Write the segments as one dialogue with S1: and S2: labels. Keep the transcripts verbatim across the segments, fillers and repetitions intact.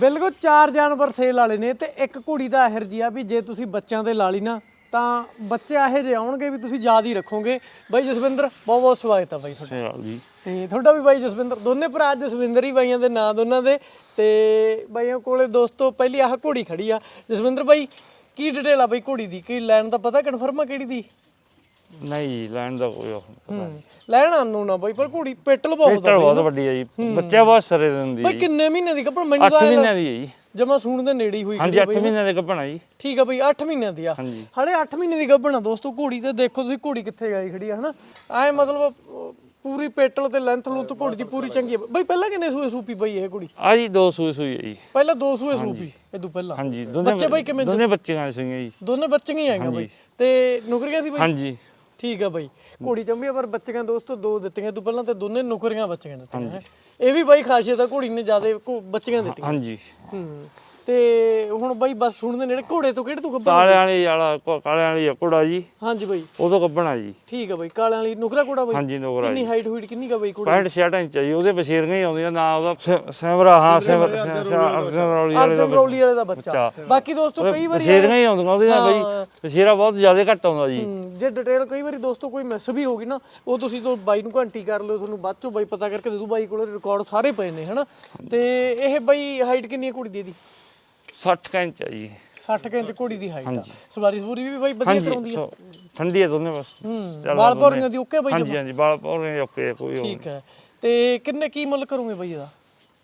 S1: ਬਿਲਕੁਲ ਚਾਰ ਜਾਨਵਰ ਸੇਲ ਵਾਲੇ ਨੇ ਤੇ ਇੱਕ ਘੋੜੀ ਦਾ ਇਹਰ ਜੀ ਆ ਵੀ ਜੇ ਤੁਸੀਂ ਬੱਚਿਆਂ ਦੇ ਲਾ ਲਈ ਨਾ ਤਾਂ ਬੱਚੇ ਇਹੋ ਜਿਹੇ ਆਉਣਗੇ ਵੀ ਤੁਸੀਂ ਯਾਦ ਹੀ ਰੱਖੋਗੇ। ਬਾਈ ਜਸਵਿੰਦਰ ਬਹੁਤ ਬਹੁਤ ਸਵਾਗਤ ਆ ਬਾਈ ਤੁਹਾਡਾ
S2: ਜੀ।
S1: ਤੇ ਤੁਹਾਡਾ ਵੀ ਬਾਈ ਜਸਵਿੰਦਰ, ਦੋਨੇ ਭਰਾ ਜਸਵਿੰਦਰ ਹੀ ਬਾਈਆਂ ਦੇ ਨਾਂ ਦੋਨਾਂ ਦੇ। ਤੇ ਬਾਈਆਂ ਕੋਲੇ ਦੋਸਤੋ ਪਹਿਲੀ ਆਹ ਘੋੜੀ ਖੜੀ ਆ। ਜਸਵਿੰਦਰ ਬਾਈ ਕੀ ਡਿਟੇਲ ਆ ਬਾਈ ਘੋੜੀ ਦੀ, ਕੀ ਲੈਣ ਦਾ ਪਤਾ ਕਨਫਰਮ ਆ ਕਿਹੜੀ ਦੀ?
S2: ਨਹੀਂ ਲੈਣ ਦਾ ਕੋਈ ਪਤਾ
S1: ਲੈਣ ਆਨੂੰ ਨਾ ਬਾਈ, ਪਰ ਘੋੜੀ ਪਿੱਟਲ ਬਹੁਤ ਆ,
S2: ਬਹੁਤ ਵੱਡੀ ਆ ਜੀ, ਬੱਚਾ ਬਹੁਤ ਸਾਰੇ ਦਿੰਦੀ
S1: ਬਾਈ। ਕਿੰਨੇ ਮਹੀਨੇ ਦੀ ਗੱਭਣ? ਮੈਨੂੰ
S2: ਅੱਠ ਮਹੀਨਿਆਂ ਦੀ ਹੈ ਜੀ।
S1: ਜਮਾ ਸੂਣ ਦੇ ਨੇੜੇ ਹੀ ਹੋਈ।
S2: ਹਾਂਜੀ ਅੱਠ ਮਹੀਨਿਆਂ ਦੇ ਗੱਭਣ ਆ ਜੀ।
S1: ਠੀਕ ਆ ਬਈ, ਅੱਠ ਮਹੀਨਿਆਂ ਦੀ ਆ। ਹਲੇ ਅੱਠ ਮਹੀਨੇ ਦੀ ਗੱਭਣ ਆ ਦੋਸਤੋ ਘੋੜੀ। ਤੇ ਦੇਖੋ ਤੁਸੀਂ ਘੋੜੀ ਕਿੱਥੇ ਗਈ ਖੜੀ ਆ ਹਨਾ, ਐ ਮਤਲਬ ਪੂਰੀ ਪੇਟਲ ਤੇ ਲੈਂਥ ਲੂੰਥ ਘੋੜੀ ਦੀ ਪੂਰੀ ਚੰਗੀ ਆ ਬਈ। ਪਹਿਲਾਂ ਕਿੰਨੇ ਸੂਏ ਸੂਪੀ ਬਈ ਇਹ ਘੋੜੀ?
S2: ਆ ਜੀ ਦੋ ਸੂਏ ਸੂਈ ਹੈ ਜੀ।
S1: ਪਹਿਲਾਂ ਦੋ ਸੂਏ ਸੂਪੀ ਇਦੋਂ ਪਹਿਲਾਂ?
S2: ਹਾਂਜੀ ਦੋਨੇ
S1: ਬੱਚੇ ਬਈ ਕਿਵੇਂ?
S2: ਦੋਨੇ ਬੱਚੀਆਂ ਸੀਗੀਆਂ ਜੀ।
S1: ਦੋਨੇ ਬੱਚੀਆਂ ਹੀ ਆਈਆਂ ਬਈ ਤੇ ਨੁਕਰੀਆਂ ਸੀ ਬਈ?
S2: ਹਾਂਜੀ
S1: ਠੀਕ ਆ ਬਈ। ਘੋੜੀ ਚੰਬੀ ਪਰ ਬੱਚੀਆਂ ਦੋਸਤੋ ਦੋ ਦਿੱਤੀਆਂ ਤੂੰ ਪਹਿਲਾਂ ਤੇ ਦੋਨੇ ਨੁਕਰੀਆਂ ਬੱਚੀਆਂ ਦਿੱਤੀਆਂ। ਇਹ ਵੀ ਬਾਈ ਖਾਸੀਅਤ ਆ ਘੋੜੀ ਨੇ ਜ਼ਿਆਦਾ ਬੱਚੀਆਂ ਦਿੱਤੀਆਂ।
S2: ਹਾਂਜੀ
S1: ਹੂੰ। ਤੇ ਹੁਣ ਬਾਈ ਬਸ ਸੁਣਦੇ ਨੇੜੇ ਘੋੜੇ ਤੋਂ ਕਿਹੜੇ ਤੋਂ ਗੱਭਣ?
S2: ਕਾਲੇ ਵਾਲੀ ਵਾਲਾ ਕਾਲੇ ਵਾਲੀ ਘੋੜਾ ਜੀ।
S1: ਹਾਂਜੀ ਬਾਈ
S2: ਉਦੋਂ ਗੱਭਣਾ ਜੀ।
S1: ਠੀਕ ਆ ਬਾਈ। ਕਾਲਿਆਂ ਵਾਲੀ ਨੁਕਰਾ ਘੋੜਾ ਬਾਈ?
S2: ਹਾਂਜੀ ਨੁਕਰਾ।
S1: ਕਿੰਨੀ ਹਾਈਟ ਹੋਈਟ ਕਿੰਨੀ ਕਾ ਬਾਈ ਘੋੜਾ?
S2: ਪੈਂਹਠ ਛਿਆਹਠ ਇੰਚ ਆ ਜੀ। ਉਹਦੇ ਬਸ਼ੇਰੀਆਂ ਹੀ ਆਉਂਦੀਆਂ ਨਾ, ਉਹਦਾ ਸਿਮਰਾ ਹਾਂ ਸਿਮਰ ਰੌਲੀ ਵਾਲੇ
S1: ਅਰਜਨ ਰੌਲੀ ਵਾਲੇ ਦਾ ਬੱਚਾ। ਬਾਕੀ ਦੋਸਤੋ ਕਈ ਵਾਰੀ
S2: ਬਸ਼ੇਰੀਆਂ ਹੀ ਆਉਂਦੀਆਂ ਉਹਦੀਆਂ ਬਈ, ਬਸ਼ੇਰਾ ਬਹੁਤ ਜ਼ਿਆਦਾ ਘੱਟ ਆਉਂਦਾ ਜੀ।
S1: ਜੇ ਡਿਟੇਲ ਕਈ ਵਾਰੀ ਦੋਸਤੋ ਕੋਈ ਮਿਸ ਵੀ ਹੋ ਗਈ ਨਾ, ਉਹ ਤੁਸੀਂ ਤੋਂ ਬਾਈ ਨੂੰ ਘੰਟੀ ਕਰ ਲਿਓ, ਤੁਹਾਨੂੰ ਬਾਅਦ ਚੋਂ ਬਾਈ ਪਤਾ ਕਰਕੇ ਦੇ ਦੂ। ਬਾਈ ਕੋਲ ਰਿਕਾਰਡ ਸਾਰੇ ਪਏ ਨੇ ਹਨਾ। ਤੇ ਇਹ ਬਾਈ ਹਾਈਟ ਕਿੰਨੀ ਹੈ ਘੋੜੀ ਦੀ? ਇਹਦੀ
S2: ਸੱਠ ਇੰਚ ਆ ਜੀ।
S1: ਸੱਠ ਇੰਚ ਘੋੜੀ ਦੀ ਹਾਈਟ ਆ। ਸਵਾਰੀ ਸਵੂਰੀ ਵੀ ਬਾਈ ਵਧੀਆ ਕਰਾਉਂਦੀ ਆ?
S2: ਠੰਡੀ ਆ ਦੋਨੇ ਬਸ।
S1: ਹੂੰ। ਵਾਲ ਪੌਰੀਆਂ ਦੀ ਓਕੇ ਬਾਈ?
S2: ਹਾਂਜੀ ਹਾਂਜੀ ਵਾਲ ਪੌਰੀਆਂ ਓਕੇ ਕੋਈ।
S1: ਠੀਕ ਹੈ। ਤੇ ਕਿੰਨੇ ਕੀ ਮੁੱਲ ਕਰੋਗੇ ਬਾਈ ਇਹਦਾ?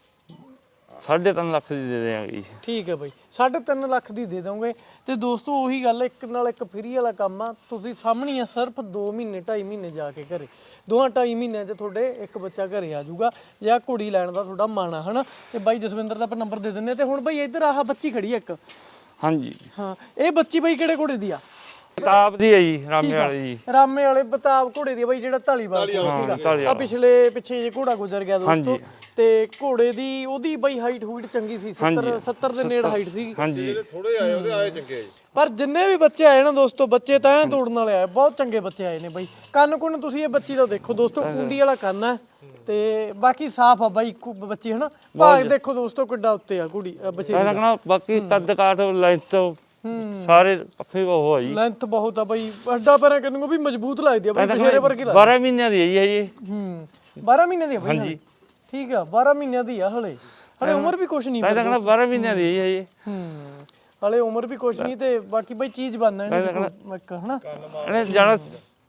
S2: ਸਾਢੇ ਤਿੰਨ ਲੱਖ ਦੀ ਦੇ ਦੇਵਾਂਗੇ ਜੀ।
S1: ਠੀਕ ਹੈ ਬਾਈ, ਸਾਢੇ ਤਿੰਨ ਲੱਖ ਦੀ ਦੇ ਦੋਗੇ। ਤੇ ਦੋਸਤੋ ਉਹੀ ਗੱਲ, ਇੱਕ ਨਾਲ ਇੱਕ ਫਰੀ ਵਾਲਾ ਕੰਮ ਆ। ਤੁਸੀਂ ਸਾਹਮਣੇ ਆ ਸਿਰਫ ਦੋ ਮਹੀਨੇ ਢਾਈ ਮਹੀਨੇ ਜਾ ਕੇ ਘਰੇ, ਦੋਹਾਂ ਢਾਈ ਮਹੀਨਿਆਂ 'ਚ ਤੁਹਾਡੇ ਇੱਕ ਬੱਚਾ ਘਰੇ ਆ ਜਾਊਗਾ। ਜਾਂ ਘੋੜੀ ਲੈਣ ਦਾ ਤੁਹਾਡਾ ਮਨ ਆ ਹਨਾ। ਤੇ ਬਾਈ ਜਸਵਿੰਦਰ ਦਾ ਆਪਾਂ ਨੰਬਰ ਦੇ ਦਿੰਦੇ। ਤੇ ਹੁਣ ਬਾਈ ਇੱਧਰ ਆਹ ਬੱਚੀ ਖੜੀ ਆ ਇੱਕ।
S2: ਹਾਂਜੀ
S1: ਹਾਂ, ਇਹ ਬੱਚੀ ਬਾਈ ਕਿਹੜੇ ਘੋੜੇ ਦੀ ਆ?
S2: ਬਤਾਬ ਦੀ ਹੈ ਜੀ, ਰਾਮੇ ਵਾਲੇ ਜੀ।
S1: ਰਾਮੇ ਵਾਲੇ ਬਤਾਬ ਘੋੜੇ ਦੀ ਬਾਈ, ਜਿਹੜਾ ਢਾਲੀਵਾਲ ਸੀਗਾ। ਆ ਪਿਛਲੇ ਪਿੱਛੇ ਜੇ ਘੋੜਾ ਗੁਜ਼ਰ ਗਿਆ ਦੋਸਤੋ। ਤੇ ਘੋੜੇ ਦੀ ਉਹਦੀ ਬਾਈ ਹਾਈਟ ਹੂਟ ਚੰਗੀ ਸੀ, ਸੱਤਰ ਸੱਤਰ ਦੇ ਨੇੜੇ ਹਾਈਟ ਸੀ।
S2: ਹਾਂਜੀ
S3: ਥੋੜੇ ਆਏ ਉਹਦੇ ਆਏ ਚੰਗੇ ਜੀ।
S1: ਪਰ ਜਿੰਨੇ ਵੀ ਬੱਚੇ ਆਏ ਨਾ ਦੋਸਤੋ, ਬੱਚੇ ਤਾਂ ਐ ਤੋੜਨ ਵਾਲੇ ਆਏ, ਬਹੁਤ ਚੰਗੇ ਬੱਚੇ ਆਏ ਨੇ ਬਾਈ। ਕੰਨ ਕੁੰਨ ਤੁਸੀਂ ਇਹ ਬੱਚੀ ਦਾ ਦੇਖੋ ਦੋਸਤੋ, ਕੁੰਡੀ ਵਾਲਾ ਕੰਨ ਹੈ। ਤੇ ਬਾਕੀ ਸਾਫ ਆ ਬਾਈ ਬੱਚੀ ਹਨਾ। ਭਾਗ ਦੇਖੋ ਦੋਸਤੋ ਕਿੱਡਾ ਉੱਤੇ ਆ ਕੁੜੀ ਬੱਚੇ
S2: ਦਾ। ਬਾਕੀ ਕੱਦ ਕਾਠ ਲੈਂਥ ਸਾਰੇ ਪੱਖੇ ਉਹ ਆ ਜੀ।
S1: ਲੈਂਥ ਬਹੁਤ ਆ ਬਾਈ, ਅੱਡਾ ਪੈਰਾਂ ਕਰਨ ਨੂੰ ਵੀ ਮਜ਼ਬੂਤ ਲੱਗਦੀ ਆ ਬਾਈ, ਬਸ਼ੇਰੇ ਵਰਗੀ ਲੱਗਦੀ।
S2: ਬਾਰਾਂ ਮਹੀਨਿਆਂ ਦੀ ਹੈ ਜੀ ਹਜੇ।
S1: ਹੂੰ। ਬਾਰਾਂ ਮਹੀਨਿਆਂ ਦੀ ਆ ਬਾਈ? ਹਾਂਜੀ ਠੀਕ ਆ, ਬਾਰਾਂ ਮਹੀਨਿਆਂ ਦੀ ਆ ਹਲੇ। ਹਲੇ ਉਮਰ ਵੀ ਕੁਛ ਨਹੀਂ।
S2: ਮੈਂ ਤਾਂ ਕਹਿੰਦਾ ਬਾਰਾਂ ਮਹੀਨਿਆਂ ਦੀ ਹੈ ਹਜੇ।
S1: ਹੂੰ। ਹਲੇ ਉਮਰ ਵੀ ਕੁਛ ਨਹੀਂ। ਤੇ ਬਾਕੀ ਬਾਈ ਚੀਜ਼ ਬਣਨਾ ਇੱਕ ਹਨਾ।
S2: ਇਹਨੇ ਜਾਣਾ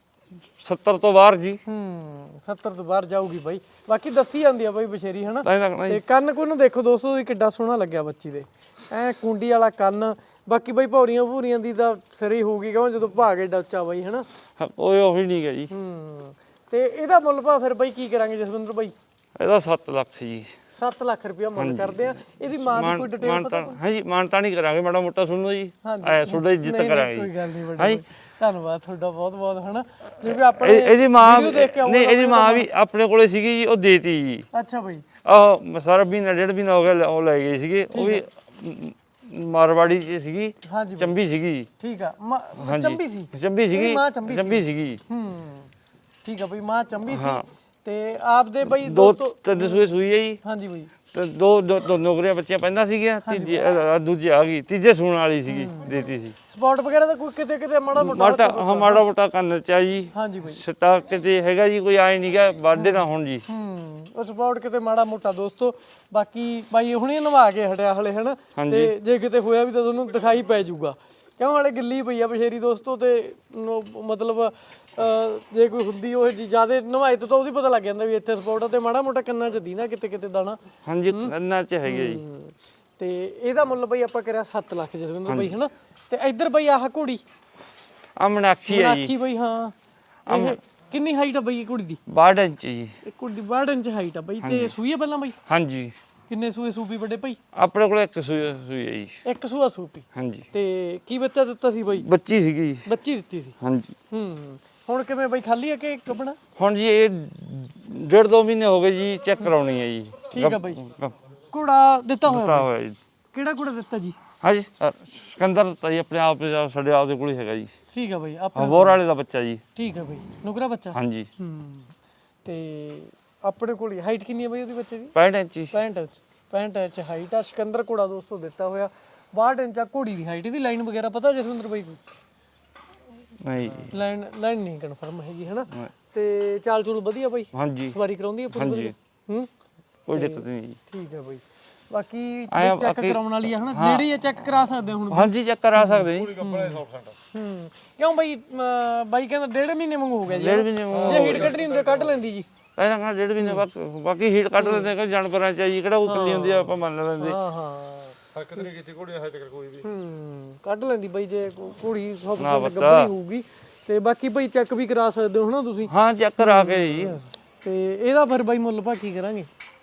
S2: ਸੱਤਰ ਤੋਂ ਬਾਹਰ ਜੀ।
S1: ਹੂੰ। ਸੱਤਰ ਤੋਂ ਬਾਹਰ ਜਾਊਗੀ ਬਾਈ। ਬਾਕੀ ਦੱਸੀ ਜਾਂਦੀ ਆ ਬਾਈ ਬਸ਼ੇਰੀ ਹਨਾ।
S2: ਤੇ
S1: ਤੇ ਕੰਨ ਕੁੰਨ ਦੇਖੋ ਦੋਸਤੋ ਦੀ ਕਿੱਡਾ ਸੋਹਣਾ ਲੱਗਿਆ ਬੱਚੀ ਦੇ, ਐ ਕੁੰਡੀ ਵਾਲਾ ਕੰਨ। ਬਾਕੀ ਬਾਈ ਭੌਰੀਆਂ ਭੂਰੀਆਂ ਦੀ ਤਾਂ ਸਿਰੇ ਹੋਊਗੀ ਕਿਉਂ ਜਦੋਂ ਭਾਗ ਏਡਾ ਉੱਚਾ ਬਾਈ ਹਨਾ।
S2: ਓਏ ਉਹੀ ਨਹੀਂ ਗਾ ਜੀ।
S1: ਹੂੰ। ਤੇ ਇਹਦਾ ਮੁੱਲ ਭਾਅ ਫਿਰ ਬਾਈ ਕੀ ਕਰਾਂਗੇ ਜਸਵਿੰਦਰ ਬਾਈ?
S2: ਇਹਦਾ ਸੱਤ ਲੱਖ ਜੀ।
S1: ਸੱਤ ਲੱਖ ਰੁਪਇਆ ਮੁੱਲ ਕਰਦੇ ਆ। ਇਹਦੀ ਮਾਂ ਦੀ ਕੋਈ ਡਿਟੇਲ ਪਤਾ?
S2: ਹਾਂਜੀ ਮਾਨਤਾ ਨਹੀਂ ਕਰਾਂਗੇ, ਮਾੜਾ ਮੋਟਾ ਸੁਣੋ ਜੀ। ਐ ਤੁਹਾਡਾ ਇੱਜ਼ਤ ਕਰਾਂਗੇ।
S1: ਕੋਈ ਗੱਲ ਨਹੀਂ ਬੜੀ। ਧੰਨਵਾਦ ਤੁਹਾਡਾ ਬਹੁਤ ਬਹੁਤ ਹਨਾ। ਜਿਵੇਂ ਆਪਣੇ
S2: ਇਹਦੀ ਮਾਂ ਨਹੀਂ, ਇਹਦੀ ਮਾਂ ਵੀ ਆਪਣੇ ਕੋਲੇ ਸੀਗੀ ਜੀ, ਉਹ ਦੇਤੀ ਜੀ।
S1: ਅੱਛਾ ਬਾਈ।
S2: ਆਹ ਸਾਰਾ ਮਹੀਨਾ ਡੇਢ ਮਹੀਨਾ ਹੋ ਗਿਆ, ਉਹ ਲੈ ਗਏ ਸੀਗੇ। ਉਹ ਵੀ ਮਾਰਵਾੜੀ ਚ ਸੀਗੀ, ਚੰਬੀ ਸੀਗੀ।
S1: ਠੀਕ ਆ, ਚੰਬੀ ਸੀ?
S2: ਚੰਬੀ ਸੀਗੀ,
S1: ਮਾਂ
S2: ਚੰਬੀ ਸੀਗੀ।
S1: ਹੂੰ ਠੀਕ ਆ ਬਈ, ਮਾਂ ਚੰਬੀ ਸੀ। ਤੇ ਆਪਦੇ ਬਈ
S2: ਦੋ ਤਿੰਨ ਸੂਏ ਸੂਈ ਹੈ ਜੀ।
S1: ਹਾਂਜੀ ਬਈ।
S2: ਤੇ ਦੋ ਦੋ ਨੌਕਰੀਆਂ ਬੱਚੀਆਂ ਪੈਂਦਾ ਸੀਗੀਆਂ, ਤੀਜੀ ਦੂਜੀ ਆ ਗਈ, ਤੀਜੇ ਸੂਣ ਵਾਲੀ ਸੀਗੀ, ਦੇਤੀ ਸੀ।
S1: ਸਪੌਟ ਵਗੈਰਾ ਦਾ ਕੋਈ ਕਿਤੇ ਕਿਤੇ ਮਾੜਾ ਮੋਟਾ?
S2: ਮਾੜਾ ਹਾਂ ਮਾੜਾ ਮੋਟਾ ਕੰਨ ਚ ਆ ਜੀ।
S1: ਹਾਂਜੀ ਬਈ।
S2: ਸਟਾ ਕਿਤੇ ਹੈਗਾ ਜੀ, ਕੋਈ ਆਏ ਨਹੀਂ ਗਾ ਵਾਢੇ ਨਾ ਹੁਣ ਜੀ।
S1: ਹੂੰ। ਉਹ ਸਪੌਟ ਕਿਤੇ ਮਾੜਾ ਮੋਟਾ ਦੋਸਤੋ। ਬਾਕੀ ਬਾਈ ਹੁਣੇ ਨਵਾ ਕੇ ਹਟਿਆ ਹਲੇ ਹਨਾ। ਤੇ ਜੇ ਕਿਤੇ ਹੋਇਆ ਵੀ ਤਾਂ ਤੁਹਾਨੂੰ ਦਿਖਾਈ ਪੈ ਜਾਊਗਾ, ਕਿਉਂ ਹਲੇ ਗਿੱਲੀ ਪਈ ਆ ਬਸ਼ੇਰੀ ਦੋਸਤੋ। ਤੇ ਮਤਲਬ ਜੇ ਕੋਈ ਹੁੰਦੀ ਉਹ ਜੀ ਜ਼ਿਆਦਾ ਨਵਾਈ ਤੋਂ ਤਾਂ ਉਹਦੀ ਪਤਾ ਲੱਗ ਜਾਂਦਾ ਵੀ ਇੱਥੇ ਸਪੋਰਟ ਆ। ਤੇ ਮਾੜਾ ਮੋਟਾ ਕੰਨਾਂ 'ਚ ਦੀਨਾ ਕਿਤੇ ਕਿਤੇ ਦਾਣਾ।
S2: ਹਾਂਜੀ ਕੰਨਾਂ 'ਚ ਹੈਗੇ ਜੀ।
S1: ਤੇ ਇਹਦਾ ਮੁੱਲ ਬਈ ਆਪਾਂ ਕਰਿਆ ਸੱਤ ਲੱਖ ਜਸਵਿੰਦਰ ਬਈ ਹਨਾ। ਤੇ ਇੱਧਰ ਬਈ ਆਹ ਘੋੜੀ
S2: ਆ ਮਨਾਖੀ ਹੈ ਜੀ।
S1: ਮਨਾਖੀ ਬਈ ਹਾਂ। ਇਹ ਕਿੰਨੀ ਹਾਈਟ ਆ ਬਈ ਘੋੜੀ ਦੀ?
S2: ਬਾਹਠ ਇੰਚ ਜੀ।
S1: ਇਹ ਘੋੜੀ ਦੀ ਬਾਹਠ ਇੰਚ ਹਾਈਟ ਆ ਬਈ। ਤੇ ਸੂਈ ਆ ਪਹਿਲਾਂ ਬਈ?
S2: ਹਾਂਜੀ।
S1: ਕਿੰਨੇ ਸੂਏ ਸੂਪੀ ਵੱਡੇ ਭਾਈ?
S2: ਆਪਣੇ ਕੋਲ ਇੱਕ ਸੂਈ ਸੂਈ ਹੈ ਜੀ।
S1: ਇੱਕ ਸੂਆ ਸੂਪੀ? ਹਾਂਜੀ। ਤੇ ਕੀ ਬੱਚਾ ਦਿੱਤਾ ਸੀ ਬਈ?
S2: ਬੱਚੀ ਸੀਗੀ ਜੀ।
S1: ਬੱਚੀ ਦਿੱਤੀ ਸੀ? ਹਾਂਜੀ। ਹੂੰ। ਹੁਣ ਕਿਵੇਂ ਬਈ ਖਾਲੀ ਆ ਕਿ ਗੱਭਣਾ?
S2: ਹੁਣ ਜੀ ਇਹ ਡੇਢ ਦੋ ਮਹੀਨੇ ਹੋ ਗਏ ਜੀ, ਚੈੱਕ ਕਰਾਉਣੀ ਹੈ ਜੀ।
S1: ਠੀਕ ਆ ਬਈ। ਘੋੜਾ ਦਿੱਤਾ ਹੋਇਆ?
S2: ਦਿੱਤਾ ਹੋਇਆ ਜੀ।
S1: ਕਿਹੜਾ ਘੋੜਾ ਦਿੱਤਾ ਜੀ?
S2: ਹਾਂਜੀ ਸਿਕੰਦਰ ਦਿੱਤਾ ਜੀ, ਆਪਣੇ ਆਪ ਸਾਡੇ ਆਪ ਦੇ ਕੋਲ ਹੀ ਹੈਗਾ ਜੀ।
S1: ਠੀਕ ਆ ਬਈ। ਆਪਣੇ
S2: ਬੋਰ ਵਾਲੇ ਦਾ ਬੱਚਾ ਜੀ।
S1: ਠੀਕ ਆ ਬਈ। ਨੁਕਰਾ ਬੱਚਾ? ਹਾਂਜੀ। ਹੂੰ। ਤੇ ਆਪਣੇ ਕੋਲ ਹਾਈਟ ਕਿੰਨੀ ਹੈ ਬਈ ਉਹਦੀ ਬੱਚੇ ਦੀ?
S2: ਪੈਂਹਠ ਇੰਚ।
S1: ਪੈਂਹਠ ਇੰਚ। ਪੈਂਹਠ ਇੰਚ ਹਾਈਟ ਆ। ਸਿਕੰਦਰ ਘੋੜਾ ਦੋਸਤੋ ਦਿੱਤਾ ਹੋਇਆ ਬਾਹਠ ਇੰਚ ਆ ਘੋੜੀ ਦੀ ਹਾਈਟ। ਇਹਦੀ ਲਾਈਨ ਵਗੈਰਾ ਪਤਾ ਜਸਵਿੰਦਰ ਬਾਈ ਕੋਈ?
S2: ਨਹੀਂ ਜੀ
S1: ਲਾਈਨ ਲਾਈਨ ਨਹੀਂ ਕਨਫਰਮ ਹੈਗੀ ਹਨਾ। ਤੇ ਚਾਲ ਚੂਲ ਵਧੀਆ ਬਾਈ?
S2: ਹਾਂਜੀ
S1: ਸਵਾਰੀ ਕਰਾਉਂਦੀ ਆ ਪੂਰੀ ਵਧੀਆ? ਹੂੰ
S2: ਕੋਈ ਦਿੱਕਤ ਨਹੀਂ ਜੀ।
S1: ਠੀਕ ਹੈ ਬਾਈ। ਬਾਕੀ ਚੈੱਕ ਕਰਾਉਣ ਵਾਲੀ ਆ ਹਨਾ, ਨੇੜੇ ਚੈੱਕ ਕਰਾ ਸਕਦੇ ਹੁਣ?
S2: ਹਾਂਜੀ ਚੈੱਕ ਕਰਾ ਸਕਦੇ ਜੀ।
S3: ਕੱਪੜਾ ਸੌ ਪਰਸੈਂਟ
S1: ਹੂੰ ਕਿਉਂ ਬਾਈ? ਅਮ ਬਾਈ ਕਹਿੰਦਾ ਡੇਢ ਮਹੀਨੇ ਵਾਂਗੂ ਹੋ ਗਿਆ ਜੀ।
S2: ਡੇਢ ਮਹੀਨੇ ਵਾਂਗੂ
S1: ਜੇ ਹੀਟ ਕੱਢਣੀ ਹੁੰਦੀ ਕੱਢ ਲੈਂਦੀ ਜੀ।
S2: ਪਹਿਲਾਂ ਕਹਿੰਦਾ ਡੇਢ ਮਹੀਨੇ ਬਾਅਦ ਬਾਕੀ ਹੀਟ ਕੱਢ ਲੈਂਦੇ ਕਿ ਜਾਨਵਰਾਂ ਚ ਜੀ ਕਿਹੜਾ ਉਹ ਕੱਲੀ ਹੁੰਦੀ ਆ ਆਪਾਂ ਮੰਨ ਲੈਂਦੇ।
S1: ਹਾਂ ਹਾਂ
S3: ਹਰਕਤ ਨਹੀਂ ਕੀਤੀ ਘੋੜੀ ਨੇ ਹਜੇ ਤੱਕ ਕੋਈ ਵੀ।
S1: ਹੂੰ ਕੱਢ ਲੈਂਦੀ ਬਾਈ ਜੇ ਘੋੜੀ ਸੌ ਪਰਸੈਂਟ ਗੱਭਣੀ ਹੋਊਗੀ। ਤੇ ਬਾਕੀ ਬਾਈ ਚੈੱਕ ਵੀ ਕਰਾ ਸਕਦੇ ਹੋ ਹਨਾ ਤੁਸੀਂ?
S2: ਹਾਂ ਚੈੱਕ ਕਰਾ ਕੇ ਜੀ।
S1: ਤੇ ਇਹਦਾ ਫਿਰ ਬਾਈ ਮੁੱਲ ਭਾ ਕੀ ਕਰਾਂਗੇ?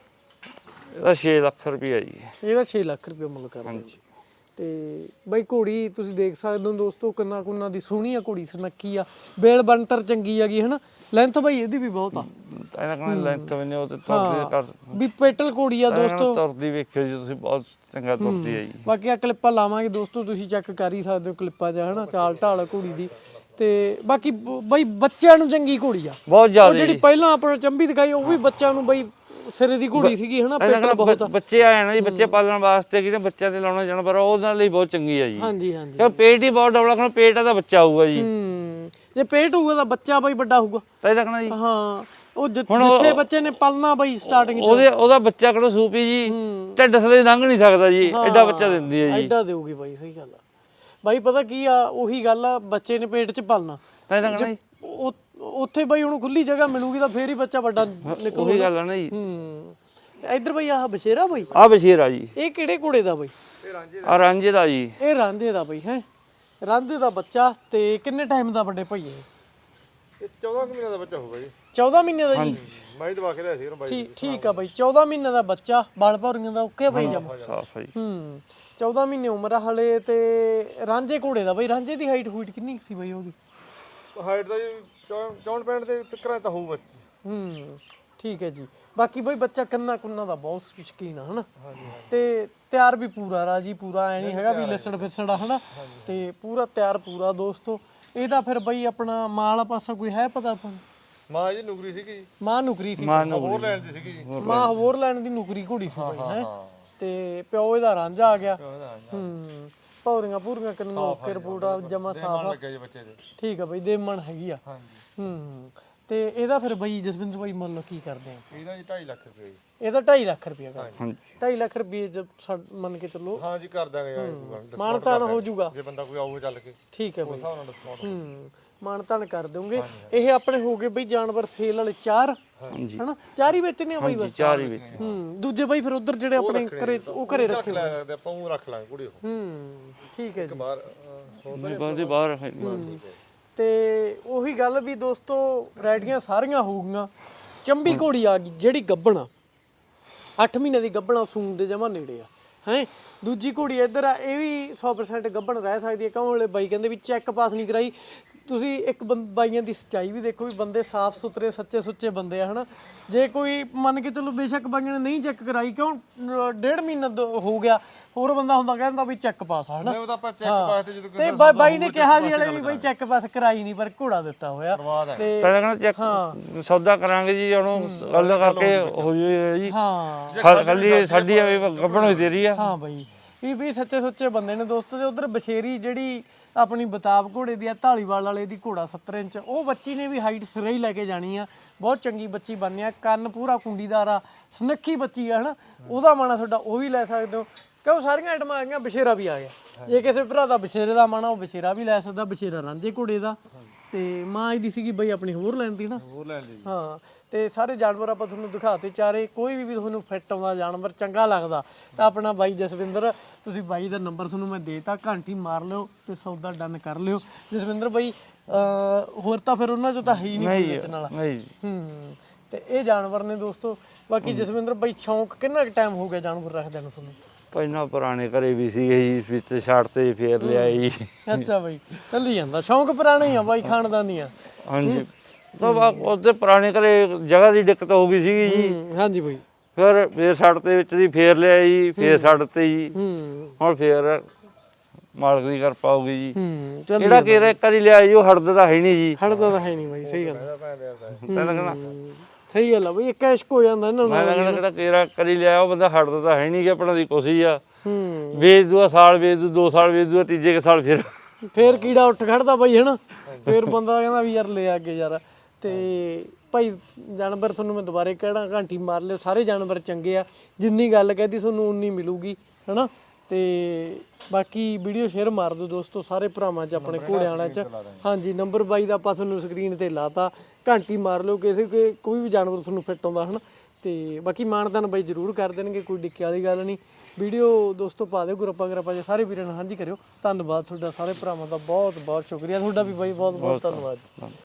S2: ਇਹਦਾ ਛੇ ਲੱਖ ਰੁਪਇਆ ਜੀ।
S1: ਇਹਦਾ ਛੇ ਲੱਖ ਰੁਪਏ ਮੁੱਲ ਕਰਾਂਗੇ। ਤੇ ਬਾਈ ਘੋੜੀ ਤੁਸੀਂ ਦੇਖ ਸਕਦੇ ਹੋ ਦੋਸਤੋ, ਕੰਨਾ ਕੁੰਨਾ ਦੀ ਸੋਹਣੀ ਆ ਘੋੜੀ, ਸੁਨੱਖੀ ਆ, ਬੇਲ ਬਣਤਰ ਚੰਗੀ ਹੈਗੀ ਹਨਾ। ਲੈਂਥ ਬਾਈ ਇਹਦੀ ਵੀ ਬਹੁਤ ਆ।
S2: ਇਹਨਾਂ ਕਹਿੰਦੇ ਲੈਂਥ ਵੀ ਉਹ ਤੇ ਤੁਰਦੀ ਕਰ
S1: ਵੀ ਪੈਟਲ ਘੋੜੀ ਆ ਦੋਸਤੋ।
S2: ਤੁਰਦੀ ਵੇਖਿਓ ਜੀ ਤੁਸੀਂ, ਬਹੁਤ ਚੰਗਾ ਤੁਰਦੀ ਹੈ ਜੀ।
S1: ਬਾਕੀ ਆ ਕਲਿੱਪਾਂ ਲਾਵਾਂਗੇ ਦੋਸਤੋ, ਤੁਸੀਂ ਚੈੱਕ ਕਰ ਹੀ ਸਕਦੇ ਹੋ ਕਲਿੱਪਾਂ 'ਚ ਹਨਾ, ਚਾਲ ਢਾਲ ਘੋੜੀ ਦੀ। ਤੇ ਬਾਕੀ ਬਾਈ ਬੱਚਿਆਂ ਨੂੰ ਚੰਗੀ ਘੋੜੀ ਆ
S2: ਬਹੁਤ ਜ਼ਿਆਦਾ।
S1: ਜਿਹੜੀ ਪਹਿਲਾਂ ਆਪਾਂ ਚੰਬੀ ਦਿਖਾਈ ਉਹ ਵੀ ਬੱਚਿਆਂ ਨੂੰ ਬਾਈ ਸਿਰੇ ਦੀ ਘੋੜੀ ਸੀਗੀ ਹਨਾ। ਪੈਟਲ ਬਹੁਤ ਆ।
S2: ਬੱਚੇ ਆਏ ਨਾ ਜੀ, ਬੱਚੇ ਪਾਲਣ ਵਾਸਤੇ ਕਿਹਨੇ ਬੱਚਿਆਂ ਤੇ ਲਾਉਣਾ ਜਾਨਵਰ ਉਹਦੇ ਲਈ ਬਹੁਤ ਚੰਗੀ ਆ ਜੀ।
S1: ਹਾਂਜੀ ਹਾਂਜੀ
S2: ਕਿਉਂ ਪੇਟ ਹੀ ਬਹੁਤ ਡਬਲਾ ਖਾਣਾ, ਪੇਟ ਦਾ ਬੱਚਾ ਆਊਗਾ ਜੀ।
S1: ਹੂੰ ਜੇ ਪੇਟ ਹੋਊਗਾ ਤਾਂ ਬੱਚਾ ਬਾਈ ਵੱਡਾ ਹੋਊਗਾ
S2: ਤਾਂ ਇਹ ਦੇਖਣਾ ਜੀ।
S1: ਹਾਂ ਉਹ ਜਿੱਥੇ ਬੱਚੇ ਨੇ ਪਲਣਾ ਬਾਈ ਸਟਾਰਟਿੰਗ 'ਚ
S2: ਉਹਦੇ ਉਹਦਾ ਬੱਚਾ ਕਿਹੜਾ ਸੂਪੀ ਜੀ, ਢਿੱਡ ਸਲੇ ਲੰਘ ਨਹੀਂ ਸਕਦਾ ਜੀ, ਐਡਾ ਬੱਚਾ ਦਿੰਦੀ ਹੈ ਜੀ।
S1: ਐਡਾ ਦੇਊਗੀ ਬਾਈ, ਸਹੀ ਗੱਲ ਆ ਬਾਈ। ਪਤਾ ਕੀ ਆ, ਉਹੀ ਗੱਲ ਆ, ਬੱਚੇ ਨੇ ਪੇਟ 'ਚ ਪਲਣਾ
S2: ਤਾਂ ਇਹ ਦੇਖਣਾ ਜੀ।
S1: ਉੱਥੇ ਬਾਈ ਉਹਨੂੰ ਖੁੱਲੀ ਜਗ੍ਹਾ ਮਿਲੂਗੀ ਤਾਂ ਫੇਰ ਹੀ ਬੱਚਾ ਵੱਡਾ ਨਿਕਲੂਗਾ।
S2: ਉਹੀ ਗੱਲ ਆ ਨਾ ਜੀ।
S1: ਹੂੰ ਇੱਧਰ ਬਾਈ ਆਹ ਬਸ਼ੇਰਾ ਬਾਈ,
S2: ਆ ਬਸ਼ੀਰਾ ਜੀ।
S1: ਇਹ ਕਿਹੜੇ ਘੋੜੇ ਦਾ ਬਾਈ?
S2: ਆ ਰਾਂਝੇ ਦਾ ਜੀ।
S1: ਇਹ ਰਾਂਝੇ ਦਾ ਬਾਈ ਹੈ, ਰਾਂਝੇ ਦਾ ਬੱਚਾ। ਤੇ ਕਿੰਨੇ ਟਾਈਮ ਦਾ ਵੱਡੇ ਭਾਈ ਇਹ?
S3: ਇਹ ਚੌਦਾਂ ਮਹੀਨਿਆਂ ਦਾ ਬੱਚਾ ਹੋਊਗਾ ਜੀ।
S1: ਚੌਦਾਂ ਮਹੀਨੇ ਦਾ ਜੀ?
S3: ਮੈਂ ਦਵਾ ਕੇ ਲਿਆ ਸੀ ਉਹਨੂੰ ਬਾਈ।
S1: ਠੀਕ ਠੀਕ ਆ ਬਾਈ, ਚੌਦਾਂ ਮਹੀਨੇ ਦਾ ਬੱਚਾ, ਬਾਲ ਭੌਰੀਆਂ ਦਾ ਓਕੇ ਬਾਈ ਜਮਾ
S2: ਸਾਫ ਹੈ ਜੀ।
S1: ਹੂੰ ਚੌਦਾਂ ਮਹੀਨੇ ਉਮਰ ਆ ਹਲੇ। ਤੇ ਰਾਂਝੇ ਘੋੜੇ ਦਾ ਬਾਈ, ਰਾਂਝੇ ਦੀ ਹਾਈਟ ਹੂਟ ਕਿੰਨੀ ਸੀ ਬਾਈ ਉਹਦੀ?
S3: ਹਾਈਟ ਦਾ ਜੀ ਚੌਂਹਠ ਪੈਂਹਠ ਦੇ ਤੱਕ ਤਾਂ ਹੋਊਗਾ।
S1: ਹੂੰ ਠੀਕ ਹੈ ਜੀ। ਬਾਕੀ ਬਾਈ ਬੱਚਾ ਕੰਨਾ ਕੁੰਨਾ ਦਾ ਬਹੁਤ ਸ਼ੌਕੀਨ ਆ ਹਨਾ। ਤੇ ਤਿਆਰ ਵੀ ਪੂਰਾ ਰਾਜੀ, ਪੂਰਾ ਐ ਨਹੀਂ ਹੈਗਾ ਵੀ ਲਿਸੜ ਫਿਸੜ ਆ ਹਨਾ। ਤੇ ਪੂਰਾ ਤਿਆਰ ਪੂਰਾ ਦੋਸਤੋ। ਇਹਦਾ ਫਿਰ ਬਾਈ ਆਪਣਾ ਮਾਂ ਵਾਲਾ ਪਾਸਾ ਕੋਈ ਹੈ ਪਤਾ ਆਪਾਂ ਨੂੰ?
S3: ਮਾਂ ਜੀ ਨੁਕਰੀ ਸੀਗੀ।
S1: ਮਾਂ ਨੁਕਰੀ ਸੀ,
S3: ਹੋਰ ਲੈਣ ਦੀ ਸੀਗੀ ਜੀ।
S1: ਮਾਂ ਹੋਰ ਲੈਣ ਦੀ ਨੁਕਰੀ ਘੋੜੀ ਸੀ ਬਾਈ ਹੈ। ਤੇ ਪਿਓ ਇਹਦਾ ਰਾਂਝਾ ਆ ਗਿਆ। ਹੂੰ ਪੌਰੀਆਂ ਪੂਰੀਆਂ ਕੰਨੋਂ ਓਕੇ, ਰਿਪੋਰਟ ਜਮਾ ਸਾਫ ਆ।
S3: ਲੱਗਿਆ ਜੀ ਬੱਚੇ ਦੇ।
S1: ਠੀਕ ਆ ਬਾਈ, ਦੇਮਣ ਹੈਗੀ ਆ। ਹੂੰ ਤੇ ਇਹਦਾ ਫਿਰ ਬਾਈ ਜਸਵਿੰਦਰ ਬਾਈ ਮੁੱਲ ਕੀ ਕਰਦੇ ਆ?
S3: ਇਹਦਾ ਜੀ ਢਾਈ ਲੱਖ ਰੁਪਏ ਜੀ।
S1: ਇਹਦਾ ਢਾਈ ਲੱਖ ਰੁਪਏ ਦਾ।
S2: ਹਾਂਜੀ
S1: ਢਾਈ ਲੱਖ ਰੁਪਏ ਜਦ ਸਾ- ਮੰਨ ਕੇ ਚੱਲੋ
S3: ਹਾਂ ਜੀ ਕਰ ਦਾਂਗੇ ਯਾਰ।
S1: ਮਾਨਤਾਨ ਹੋ ਜਾਊਗਾ।
S3: ਜੇ ਬੰਦਾ ਕੋਈ ਆਊਗਾ ਚੱਲ ਕੇ
S1: ਠੀਕ ਹੈ ਬਾਈ।
S3: ਹਿਸਾਬ ਨਾਲ ਡਿਸਕਾਊਂਟ।
S1: ਹੂੰ ਮਾਨਤਾਨ ਕਰ ਦੋਗੇ। ਇਹ ਆਪਣੇ ਹੋ ਗਏ ਬਈ ਜਾਨਵਰ ਸੇਲ ਵਾਲੇ ਚਾਰ
S2: ਹਾਂਜੀ
S1: ਹਨਾ, ਚਾਰ ਹੀ ਵੇਚਨੇ ਆ ਬਾਈ ਬਸ?
S2: ਚਾਰ ਹੀ ਵਿੱਚ।
S1: ਹੂੰ ਦੂਜੇ ਬਾਈ ਫਿਰ ਉਧਰ ਜਿਹੜੇ ਆਪਣੇ ਘਰੇ ਉਹ ਘਰੇ ਰੱਖੇ
S3: ਲੈ ਸਕਦੇ ਆਪਾਂ, ਉਹ ਰੱਖ ਲਾਂਗੇ ਕੁੜੀ ਉਹ
S1: ਹੂੰ ਠੀਕ ਹੈ ਜੀ।
S3: ਬਾਹਰ ਹੋਰ
S2: ਨਹੀਂ ਬੰਦੇ ਬਾਹਰ ਹੈ।
S1: ਤੇ ਉਹੀ ਗੱਲ ਵੀ ਦੋਸਤੋ, ਵੈਰਾਈਟੀਆਂ ਸਾਰੀਆਂ ਹੋਊਗੀਆਂ। ਚੰਬੀ ਘੋੜੀ ਆ ਗਈ ਜਿਹੜੀ ਗੱਭਣਾ, ਅੱਠ ਮਹੀਨੇ ਦੀ ਗੱਭਣਾ, ਸੂਣ ਦੇ ਜਮਾ ਨੇੜੇ ਆ ਹੈ। ਦੂਜੀ ਘੋੜੀ ਇੱਧਰ ਆ, ਇਹ ਵੀ ਸੌ ਪਰਸੈਂਟ ਗੱਭਣ ਰਹਿ ਸਕਦੀ ਹੈ। ਕਿਉਂ ਹਲੇ ਬਾਈ ਕਹਿੰਦੇ ਵੀ ਚੈੱਕ ਪਾਸ ਨਹੀਂ ਕਰਾਈ। ਤੁਸੀਂ ਇੱਕ ਬੰ ਬਾਈਆਂ ਦੀ ਸੱਚਾਈ ਵੀ ਦੇਖੋ ਵੀ ਬੰਦੇ ਸਾਫ਼ ਸੁਥਰੇ ਸੱਚੇ ਸੁੱਚੇ ਬੰਦੇ ਆ ਹਨਾ। ਜੇ ਕੋਈ ਮੰਨ ਕੇ ਚਲੋ ਬੇਸ਼ੱਕ ਬਾਈਆਂ ਨੇ ਨਹੀਂ ਚੈੱਕ ਕਰਾਈ, ਕਿਉਂ ਡੇਢ ਮਹੀਨਾ ਦ- ਹੋ ਗਿਆ, ਹੋਰ ਬੰਦਾ ਹੁੰਦਾ ਕਹਿੰਦਾ ਵੀ ਚੈੱਕ ਪਾਸ ਆ ਹਨਾ।
S3: ਉਹ ਤਾਂ ਆਪਾਂ ਚੈੱਕ ਪਾਸ ਤੇ ਜਦੋਂ
S1: ਤੇ ਬਾਈ ਬਾਈ ਨੇ ਕਿਹਾ ਵੀ ਹਲੇ ਵੀ ਬਾਈ ਚੈੱਕ ਪਾਸ ਕਰਾਈ ਨਹੀਂ, ਪਰ ਘੋੜਾ ਦਿੱਤਾ ਹੋਇਆ। ਤੇ
S2: ਪਹਿਲਾਂ ਕਹਿੰਦਾ ਚੈੱਕ ਸੌਦਾ ਕਰਾਂਗੇ ਜੀ, ਉਹਨੂੰ ਗੱਲ ਕਰਕੇ ਹੋ ਜਾਏ ਜੀ।
S1: ਹਾਂ
S2: ਖਾਲੀ ਸਾਡੀ ਗੱਭਣ ਹੋਈ ਤੇਰੀ ਆ।
S1: ਹਾਂ ਬਾਈ ਵੀ ਵੀ ਸੱਚੇ ਸੁੱਚੇ ਬੰਦੇ ਨੇ ਦੋਸਤੋ। ਤੇ ਉਧਰ ਬਸ਼ੇਰੀ ਜਿਹੜੀ ਆਪਣੀ ਬਤਾਬ ਘੋੜੇ ਦੀ ਆ, ਢਾਲੀਵਾਲ ਵਾਲੇ ਦੀ ਘੋੜਾ ਸੱਤਰ ਇੰਚ, ਉਹ ਬੱਚੀ ਨੇ ਵੀ ਹਾਈਟ ਸਿਰੇ ਹੀ ਲੈ ਕੇ ਜਾਣੀ ਆ। ਬਹੁਤ ਚੰਗੀ ਬੱਚੀ ਬਣਨੀ ਆ, ਕੰਨ ਪੂਰਾ ਕੁੰਡੀਦਾਰ ਆ, ਸੁਨੱਖੀ ਬੱਚੀ ਆ ਹਨਾ। ਉਹਦਾ ਮਾਣਾ ਤੁਹਾਡਾ ਉਹ ਵੀ ਲੈ ਸਕਦੇ ਹੋ, ਕਿਉਂ ਸਾਰੀਆਂ ਆਈਟਮਾਂ ਆ ਗਈਆਂ। ਬਸ਼ੇਰਾ ਵੀ ਆ ਗਿਆ, ਜੇ ਕਿਸੇ ਭਰਾ ਦਾ ਬਸ਼ੇਰੇ ਦਾ ਮਾਣਾ ਉਹ ਬਸ਼ੇਰਾ ਵੀ ਲੈ ਸਕਦਾ। ਬਸ਼ੇਰਾ ਰਾਂਝੇ ਘੋੜੇ ਦਾ। ਤੇ ਮਾਂ ਇਹਦੀ ਸੀਗੀ ਬਈ ਆਪਣੀ ਹੋਰ ਲੈਂਦੀ ਨਾ।
S3: ਹੋਰ ਲੈਣ ਦੀ।
S1: ਹਾਂ ਤੇ ਸਾਰੇ ਜਾਨਵਰ ਆਪਾਂ ਤੁਹਾਨੂੰ ਦਿਖਾਤੇ ਚਾਰੇ। ਕੋਈ ਵੀ ਤੁਹਾਨੂੰ ਫਿੱਟ ਆਉਂਦਾ ਜਾਨਵਰ ਚੰਗਾ ਲੱਗਦਾ ਤਾਂ ਆਪਣਾ ਬਾਈ ਜਸਵਿੰਦਰ, ਤੁਸੀਂ ਬਾਈ ਦਾ ਨੰਬਰ ਤੁਹਾਨੂੰ ਮੈਂ ਦੇਤਾ, ਘੰਟੀ ਮਾਰ ਲਿਓ ਤੇ ਸੌਦਾ ਡਨ ਕਰ ਲਿਓ। ਜਸਵਿੰਦਰ ਬਾਈ ਹੋਰ ਤਾਂ ਫਿਰ ਉਹਨਾਂ ਚੋਂ ਤਾਂ ਹੈ ਹੀ ਨਹੀਂ ਕੋਈ ਵੇਚਣ ਵਾਲਾ।
S2: ਨਹੀਂ
S1: ਹੂੰ ਤੇ ਇਹ ਜਾਨਵਰ ਨੇ ਦੋਸਤੋ। ਬਾਕੀ ਜਸਵਿੰਦਰ ਬਾਈ ਸ਼ੌਂਕ ਕਿੰਨਾ ਕੁ ਟਾਈਮ ਹੋ ਗਿਆ ਜਾਨਵਰ ਰੱਖਦਿਆਂ ਨੂੰ ਤੁਹਾਨੂੰ?
S2: ਪਹਿਲਾਂ ਪੁਰਾਣੇ ਘਰੇ ਵੀ ਸੀਗੇ ਜੀ, ਵਿੱਚ ਛੱਡ ਤੇ ਫੇਰ ਲਿਆ ਜੀ।
S1: ਅੱਛਾ ਬਾਈ ਚੱਲੀ ਜਾਂਦਾ ਸ਼ੌਂਕ, ਪੁਰਾਣੇ ਹੀ ਆ ਬਾਈ, ਖਾਨਦਾਨੀ ਆ।
S2: ਹਾਂਜੀ ਤਾਂ ਉਹਦੇ ਪੁਰਾਣੇ ਘਰੇ ਜਗ੍ਹਾ ਦੀ ਦਿੱਕਤ ਹੋ ਗਈ ਸੀਗੀ ਜੀ।
S1: ਹਾਂਜੀ ਬਾਈ
S2: ਫਿਰ ਫੇਰ ਛੱਡ ਤੇ ਵਿੱਚ ਦੀ ਫੇਰ ਲਿਆ ਜੀ, ਫੇਰ ਛੱਡ ਤੇ ਜੀ।
S1: ਹੂੰ
S2: ਹੁਣ ਫੇਰ ਮਾਲਕ ਦੀ ਕਿਰਪਾ ਹੋ ਗਈ ਜੀ।
S1: ਹੂੰ ਚੱਲ
S2: ਜਿਹੜਾ ਕਿਹੜਾ ਇੱਕ ਵਾਰੀ ਲਿਆ ਜੀ ਉਹ ਹਟਦਾ ਤਾਂ ਹੈ ਨਹੀਂ ਜੀ।
S1: ਹਟਦਾ ਤਾਂ ਹੈ ਨਹੀਂ ਬਾਈ, ਸਹੀ ਗੱਲ।
S2: ਪਹਿਲਾਂ ਕਹਿੰਦਾ
S1: ਸਹੀ ਗੱਲ ਆ ਬਈ ਇੱਕ ਇਸ਼ਕ ਹੋ ਜਾਂਦਾ ਇਹਨਾਂ
S2: ਮੈਂ
S1: ਨਾਲ
S2: ਕਹਿੰਦਾ ਕਿਹੜਾ ਤੇਰਾ ਕਰੀ ਲਿਆ ਉਹ ਬੰਦਾ ਹਟਦਾ ਤਾਂ ਹੈ ਨਹੀਂ ਕਿ ਆਪਣਾ ਦੀ ਕੋਸ਼ਿਸ਼ ਆ
S1: ਹੂੰ
S2: ਵੇਚ ਦੂਆ ਸਾਲ ਵੇਚ ਦੂ ਦੋ ਸਾਲ ਵੇਚ ਦੂਆ ਤੀਜੇ ਕੇ ਸਾਲ ਫਿਰ
S1: ਫੇਰ ਕੀੜਾ ਉੱਠ ਖੜਦਾ ਬਾਈ ਹਨਾ ਫੇਰ ਬੰਦਾ ਕਹਿੰਦਾ ਵੀ ਯਾਰ ਲੈ ਅੱਗੇ ਯਾਰ ਤੇ ਭਾਈ ਜਾਨਵਰ ਤੁਹਾਨੂੰ ਮੈਂ ਦੁਬਾਰੇ ਕਹਿਣਾ ਘੰਟੀ ਮਾਰ ਲਿਓ ਸਾਰੇ ਜਾਨਵਰ ਚੰਗੇ ਆ ਜਿੰਨੀ ਗੱਲ ਕਹਿਦੀ ਤੁਹਾਨੂੰ ਉਨੀ ਮਿਲੂਗੀ ਹਨਾ ਤੇ ਬਾਕੀ ਵੀਡੀਓ ਸ਼ੇਅਰ ਮਾਰ ਦਿਓ ਦੋਸਤੋ ਸਾਰੇ ਭਰਾਵਾਂ 'ਚ ਆਪਣੇ ਘੋੜਿਆਂ ਵਾਲਿਆਂ 'ਚ ਹਾਂਜੀ ਨੰਬਰ ਬਾਈ ਦਾ ਆਪਾਂ ਤੁਹਾਨੂੰ ਸਕਰੀਨ ਤੇ ਲਾਤਾ ਘੰਟੀ ਮਾਰ ਲਿਓ ਕਿਸੇ ਕੋਈ ਕੋਈ ਵੀ ਜਾਨਵਰ ਤੁਹਾਨੂੰ ਫਿੱਟ ਆਉਂਦਾ ਹਨਾ ਤੇ ਬਾਕੀ ਮਾਨਦਾਨ ਬਾਈ ਜ਼ਰੂਰ ਕਰ ਦੇਣਗੇ ਕੋਈ ਡਿੱਕੇ ਵਾਲੀ ਗੱਲ ਨਹੀਂ ਵੀਡੀਓ ਦੋਸਤੋ ਪਾ ਦਿਓ ਗਰੁੱਪਾਂ ਗਰੁੱਪਾਂ 'ਚ ਸਾਰੇ ਵੀਰਾਂ ਨਾਲ ਸਾਂਝੀ ਕਰਿਓ ਧੰਨਵਾਦ ਤੁਹਾਡਾ ਸਾਰੇ ਭਰਾਵਾਂ ਦਾ ਬਹੁਤ ਬਹੁਤ ਸ਼ੁਕਰੀਆ ਤੁਹਾਡਾ ਵੀ ਬਾਈ ਬਹੁਤ ਬਹੁਤ ਧੰਨਵਾਦ